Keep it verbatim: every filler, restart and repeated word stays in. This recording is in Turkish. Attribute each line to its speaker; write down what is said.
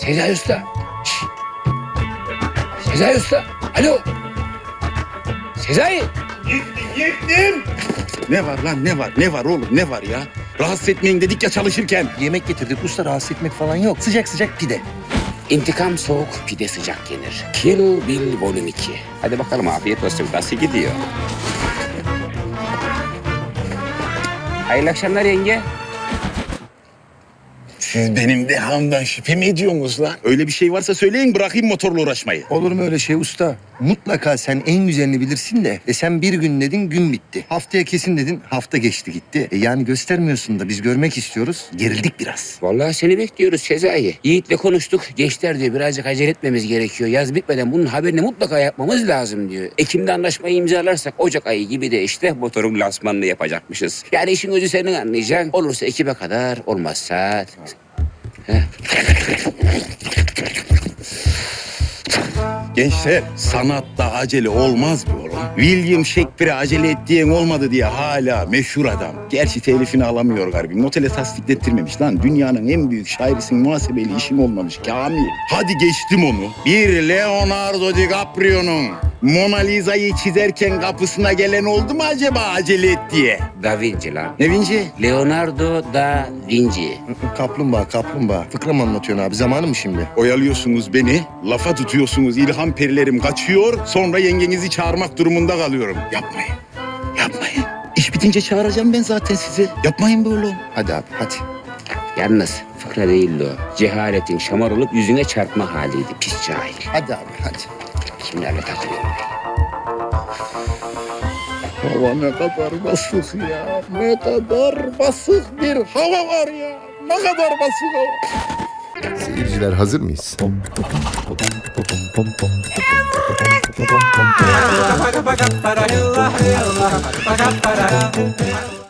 Speaker 1: Sezai Usta. Şşş. Sezai Usta. Alo. Sezai.
Speaker 2: Gittim. Ne var lan ne var ne var oğlum ne var ya? Rahatsız etmeyin dedik ya çalışırken.
Speaker 3: Yemek getirdik usta, rahatsız etmek falan yok. Sıcak sıcak pide.
Speaker 1: İntikam soğuk, pide sıcak yenir. Kill Bill Volume iki. Hadi bakalım afiyet olsun. Nasıl gidiyor? Hayırlı akşamlar yenge.
Speaker 2: Siz benim dehamdan şüphe mi ediyorsunuz lan? Öyle bir şey varsa söyleyin bırakayım motorla uğraşmayı.
Speaker 3: Olur mu öyle şey usta? Mutlaka sen en güzelini bilirsin de. E sen bir gün dedin, gün bitti. Haftaya kesin dedin, hafta geçti gitti. E yani göstermiyorsun da biz görmek istiyoruz. Gerildik biraz.
Speaker 1: Vallahi seni bekliyoruz Sezai. Yiğit'le konuştuk. Gençler diyor birazcık acele etmemiz gerekiyor. Yaz bitmeden bunun haberini mutlaka yapmamız lazım diyor. Ekim'de anlaşmayı imzalarsak Ocak ayı gibi de işte motorun lansmanını yapacakmışız. Yani işin özü senin anlayacaksın. Olursa Ekim'e kadar, olmazsa... Heh.
Speaker 2: Gençler sanatta acele olmaz mı oğlum? William Shakespeare'e acele ettiğin olmadı diye hala meşhur adam. Gerçi telifini alamıyor galiba. Notele tasdiklettirmemiş lan. Dünyanın en büyük şairisin, muhasebeli işin olmamış Kamil. Hadi geçtim onu. Bir Leonardo DiCaprio'nun Mona Lisa'yı çizerken kapısına gelen oldu mu acaba acele et diye?
Speaker 1: Da Vinci lan.
Speaker 2: Ne Vinci?
Speaker 1: Leonardo da Vinci.
Speaker 3: Kaplumbağa, kaplumbağa. Fıkra mı anlatıyorsun abi? Zamanı mı şimdi?
Speaker 2: Oyalıyorsunuz beni, lafa tutuyorsunuz, ilham perilerim kaçıyor, sonra yengenizi çağırmak durumunda kalıyorum. Yapmayın, yapmayın. İş bitince çağıracağım ben zaten sizi. Yapmayın böyle oğlum.
Speaker 3: Hadi abi, hadi.
Speaker 1: Yalnız fıkra değildi o. Cehaletin şamar olup yüzüne çarpma haliydi. Pis cahil.
Speaker 3: Hadi abi, hadi.
Speaker 1: Kimlerle takılıyorum ben?
Speaker 2: Hava ne kadar basık ya, ne kadar basık bir hava var ya. Ne kadar basık hava.
Speaker 4: Seyirciler hazır mıyız?
Speaker 5: Para